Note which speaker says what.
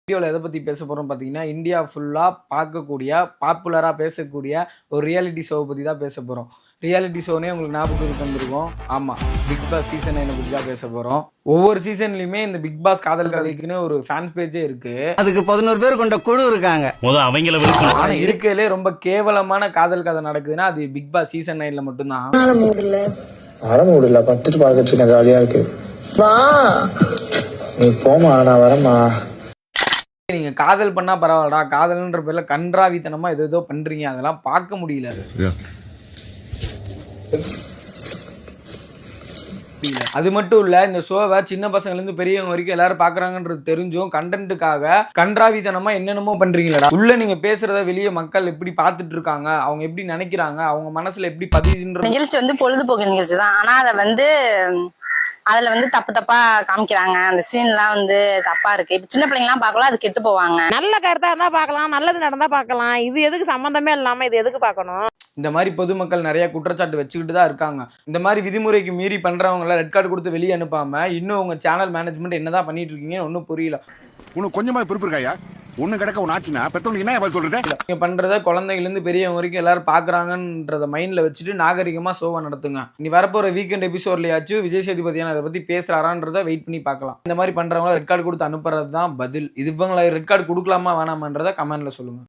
Speaker 1: வீடியோவில் எதை பற்றி பேச போகிறோம் பார்த்தீங்கன்னா, இந்தியா ஃபுல்லாக பார்க்கக்கூடிய பாப்புலராக பேசக்கூடிய ஒரு ரியாலிட்டி ஷோவை பற்றி தான் பேச போகிறோம். ரியாலிட்டி ஷோனே உங்களுக்கு ஞாபகத்துக்கு வந்திருக்கும். ஆமாம், பிக் பாஸ் சீசன் 9 பற்றி தான் பேச போகிறோம். ஒவ்வொரு சீசன்லையுமே இந்த பிக் பாஸ் காதல் கதைக்குன்னு ஒரு ஃபேன்ஸ் பேஜே இருக்கு.
Speaker 2: அதுக்கு 11 பேர் கொண்ட குழு இருக்காங்க.
Speaker 1: ஆனால் இருக்கிறதுலே ரொம்ப கேவலமான காதல் கதை நடக்குதுன்னா அது பிக் பாஸ் சீசன் 9ல மட்டும்தான்.
Speaker 3: முடியல பத்துட்டு பார்த்துட்டு ஜாலியா இருக்கு. நீ போமா, நான் வரமா.
Speaker 1: நீங்க காதல் பண்ணா பரவாயில்லடா, காதல்ன்ற பேர்ல கன்றாவித்தனமா ஏதோ பண்றீங்க, அதெல்லாம் பார்க்க முடியல. அது மட்டும் இல்ல, இந்த ஷோவை சின்ன பசங்கள்ல இருந்து பெரியவங்க வரைக்கும் எல்லாரும் பாக்குறாங்கன்றது தெரிஞ்சும் கண்டென்ட்டுக்காக கன்றாவித்தனமா என்னென்னமோ பண்றீங்களா. உள்ள நீங்க பேசுறத வெளியே மக்கள் எப்படி பார்த்துட்டு இருக்காங்க, அவங்க எப்படி நினைக்கிறாங்க, அவங்க மனசுல எப்படி பதியுன்ற
Speaker 4: நிகழ்ச்சி வந்து பொழுதுபோக்கு நிகழ்ச்சி தான். ஆனா அதுல வந்து தப்பு தப்பா காமிக்கிறாங்க. அந்த சீன்லாம் வந்து தப்பா இருக்கு. இப்ப சின்ன பிள்ளைங்க எல்லாம் பார்க்கலாம், அது கெட்டு போவாங்க.
Speaker 5: நல்ல கருத்தா இருந்தா பார்க்கலாம், நல்லது நடந்தா பார்க்கலாம். இது எதுக்கு சம்பந்தமே இல்லாம இது எதுக்கு பார்க்கணும்?
Speaker 1: இந்த மாதிரி பொதுமக்கள் நிறைய குற்றச்சாட்டு வச்சுக்கிட்டு தான் இருக்காங்க. இந்த மாதிரி விதிமுறைக்கு மீறி பண்றவங்கள ரெட் கார்டு கொடுத்து வெளியே அனுப்பாம இன்னும் உங்க சேனல் மேனேஜ்மெண்ட் என்னதான் பண்ணிட்டு இருக்கீங்கன்னு ஒன்றும் புரியல.
Speaker 6: உனக்கு கொஞ்சமா பொறுப்பு இருக்காயா? ஒண்ணு கிடக்க ஒன்று ஆச்சுன்னா பெற்றவங்க என்ன பதில் சொல்றது?
Speaker 1: நீங்க பண்றத குழந்தைகள்லேருந்து பெரியவங்க வரைக்கும் எல்லாரும் பாக்குறாங்கன்றத மைண்ட்ல வச்சுட்டு நாகரிகமா ஷோவை நடத்துங்க. நீ வரப்போற வீக்கெண்ட் எபிசோட்லயாச்சும் விஜய் சேதுபதியான அதை பத்தி பேசுறாரான்றத வெயிட் பண்ணி பார்க்கலாம். இந்த மாதிரி பண்றவங்கள ரெட் கார்டு கொடுத்து அனுப்புறது தான் பதில். இது இவங்களை ரெட் கார்டு கொடுக்கலாமா வேணாமன்றத கமெண்ட்ல சொல்லுங்க.